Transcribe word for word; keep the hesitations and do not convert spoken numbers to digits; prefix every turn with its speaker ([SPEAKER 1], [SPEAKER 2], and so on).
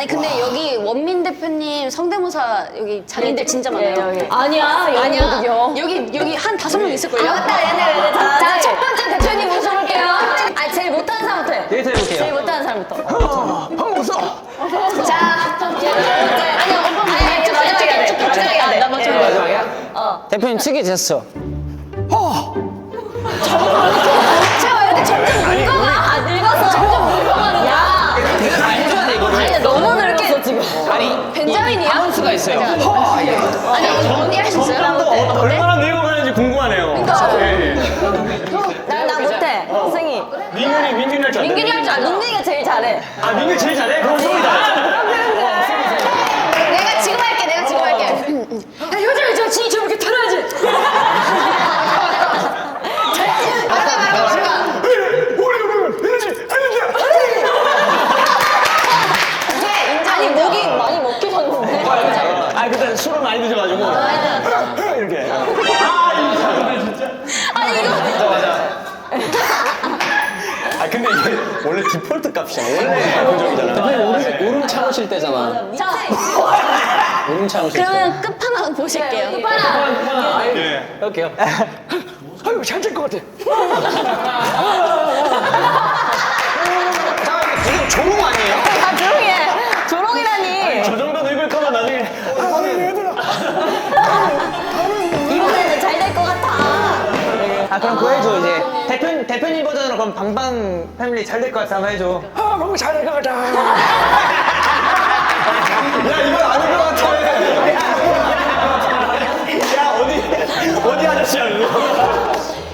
[SPEAKER 1] 아니 근데 여기 원민 대표님 성대모사 여기 장인들 진짜 많아요.
[SPEAKER 2] 여기.
[SPEAKER 3] 아니야,
[SPEAKER 1] 아니야.
[SPEAKER 3] 여기요.
[SPEAKER 1] 여기 여기 한 다섯 명 있을걸요?
[SPEAKER 2] 아, 맞다, 얘네, 얘네 다.
[SPEAKER 3] 자, 첫 번째 대표님 모셔볼게요.
[SPEAKER 2] 아, 제일 못하는 사람부터 해.
[SPEAKER 4] 데이트 해볼게요.
[SPEAKER 2] 제일 못하는 사람부터.
[SPEAKER 5] 한번 웃어.
[SPEAKER 2] 자, 아니, 오빠 아니, 좀 마지막에 해야 돼. 마지막에 해야 돼.
[SPEAKER 1] 나 먼저.
[SPEAKER 4] 마지막이야?
[SPEAKER 2] 어.
[SPEAKER 4] 대표님 특이 제스처.
[SPEAKER 2] 제가 왜 이렇게 점점 늙어가? 아, 늙어서. 점점 늙어가는 야.
[SPEAKER 4] 내가 다 해줘야 돼 이거를.
[SPEAKER 2] 아니, 너무 늙었어, 지금.
[SPEAKER 4] 아니
[SPEAKER 1] 벤자민이야?
[SPEAKER 4] 바운스가 있어요.
[SPEAKER 1] 아니 언니 할 수 있어요?
[SPEAKER 5] 어, 얼마나 늙어가는지 궁금하네요. 예,
[SPEAKER 2] 나, 나 못해. 승희.
[SPEAKER 5] 예. 민균이 민균이 할 줄 알아.
[SPEAKER 2] 민균이 할 줄 알아. 민균이가 제일 잘해.
[SPEAKER 5] 아 민균 제일 잘해? 그럼 소리 잘해.
[SPEAKER 1] 내가 지금 할게. 내가 지금 할게.
[SPEAKER 3] 효정이 저 진이 저렇게 털어야지.
[SPEAKER 1] 말가 말가 말가.
[SPEAKER 2] 아니, 목이 많이 먹게 졌는데.
[SPEAKER 5] 아 그때 술을 많이 드셔가지고 이렇게. 아 이거 진짜.
[SPEAKER 2] 아니, 이거.
[SPEAKER 5] 맞아 맞아. 아 근데 이게 원래 디폴트 값이야. 원래 고정이잖아.
[SPEAKER 4] 대표님 오름, 오름 참으실 때잖아.
[SPEAKER 2] 자,
[SPEAKER 4] 오름 참으실 때.
[SPEAKER 1] 그러면 끝판왕 보실게요.
[SPEAKER 5] 예.
[SPEAKER 4] 할게요.
[SPEAKER 5] 아유 잘될 것 같아. 지금 조롱 아니에요?
[SPEAKER 2] 아, 조용히 해. 조롱이라니.
[SPEAKER 5] 저 정도 늙을 거면 나중에.
[SPEAKER 2] 이번에는 잘 될 것 같아.
[SPEAKER 4] 아 그럼 그거 해줘 이제 대표 대표님 버전으로 그럼 방방 패밀리 잘 될 것 같아 한번 해줘.
[SPEAKER 5] 아 너무 잘될 것 같아. 야 이건 아닌 것 같아. 야 어디 어디 아저씨야 이거.